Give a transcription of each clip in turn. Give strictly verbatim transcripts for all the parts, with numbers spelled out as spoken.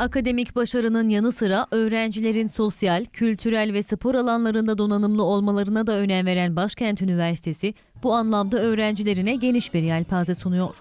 Akademik başarının yanı sıra öğrencilerin sosyal, kültürel ve spor alanlarında donanımlı olmalarına da önem veren Başkent Üniversitesi bu anlamda öğrencilerine geniş bir yelpaze sunuyor.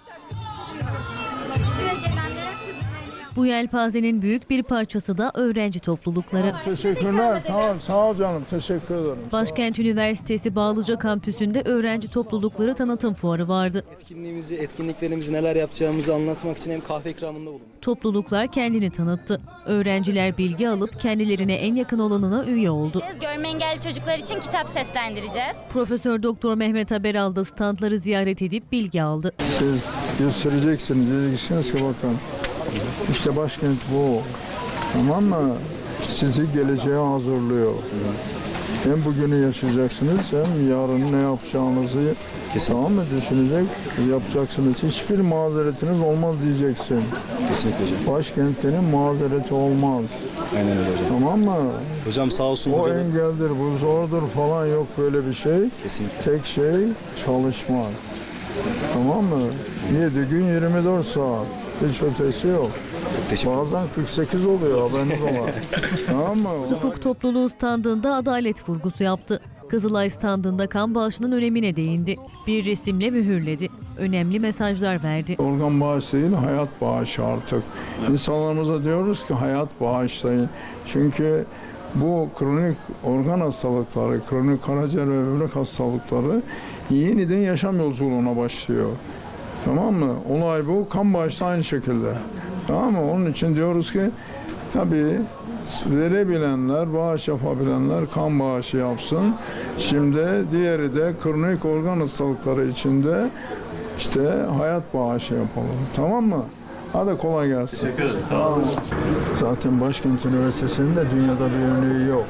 Bu yelpazenin büyük bir parçası da öğrenci toplulukları. Teşekkürler. Tamam, sağ ol canım. Teşekkür ederim. Başkent Üniversitesi Bağlıca Kampüsü'nde öğrenci toplulukları tanıtım fuarı vardı. Etkinliğimizi, etkinliklerimizi, neler yapacağımızı anlatmak için hem kahve ikramında bulunduk. Topluluklar kendini tanıttı. Öğrenciler bilgi alıp kendilerine en yakın olanına üye oldu. Görme engelli çocuklar için kitap seslendireceğiz. Profesör Doktor Mehmet Haberal da standları ziyaret edip bilgi aldı. Siz göstereceksiniz, diyeceksiniz ki bakın. İşte başkent bu. Tamam mı? Sizi geleceğe hazırlıyor. Hem bugünü yaşayacaksınız hem yarın ne yapacağınızı tamam mı düşünecek, yapacaksınız. Hiçbir mazeretiniz olmaz diyeceksin. Kesinlikle hocam. Başkentinin mazereti olmaz. Aynen öyle hocam. Tamam mı? Hocam sağ olsun. O hocam. engeldir, bu zordur falan yok böyle bir şey. Kesinlikle. Tek şey çalışmak. Tamam mı? yedi gün yirmi dört saat. Hiç ötesi yok. Bazen kırk sekiz oluyor haberiniz ola. Tamam mı? Hukuk topluluğu standında adalet vurgusu yaptı. Kızılay standında kan bağışının önemine değindi. Bir resimle mühürledi. Önemli mesajlar verdi. Organ bağışı değil, hayat bağışı artık. İnsanlarımıza diyoruz ki hayat bağışlayın. Çünkü bu kronik organ hastalıkları, kronik karaciğer ve böbrek hastalıkları yeniden yaşam yolculuğuna başlıyor. Tamam mı? Olay bu. Kan bağışı aynı şekilde. Tamam mı? Onun için diyoruz ki tabii verebilenler, bağış yapabilenler kan bağışı yapsın. Şimdi diğeri de kronik organ hastalıkları içinde işte hayat bağışı yapalım. Tamam mı? Hadi kolay gelsin. Teşekkür ederim. Sağ olun. Zaten Başkent Üniversitesi'nin de dünyada bir örneği yok.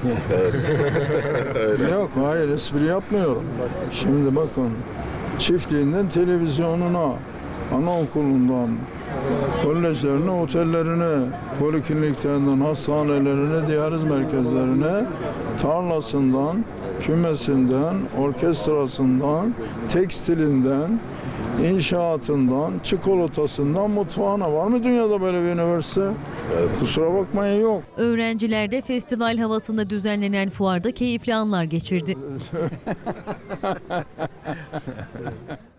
Evet. Yok, hayır espri yapmıyorum. Şimdi bakın, çiftliğinden televizyonuna, anaokulundan, kolejlerine, otellerine, polikliniklerinden, hastanelerine, diyaliz merkezlerine, tarlasından, kümesinden, orkestrasından, tekstilinden, inşaatından, çikolatasından, mutfağına. Var mı dünyada böyle bir üniversite? Evet. Kusura bakmayın yok. Öğrenciler de festival havasında düzenlenen fuarda keyifli anlar geçirdi.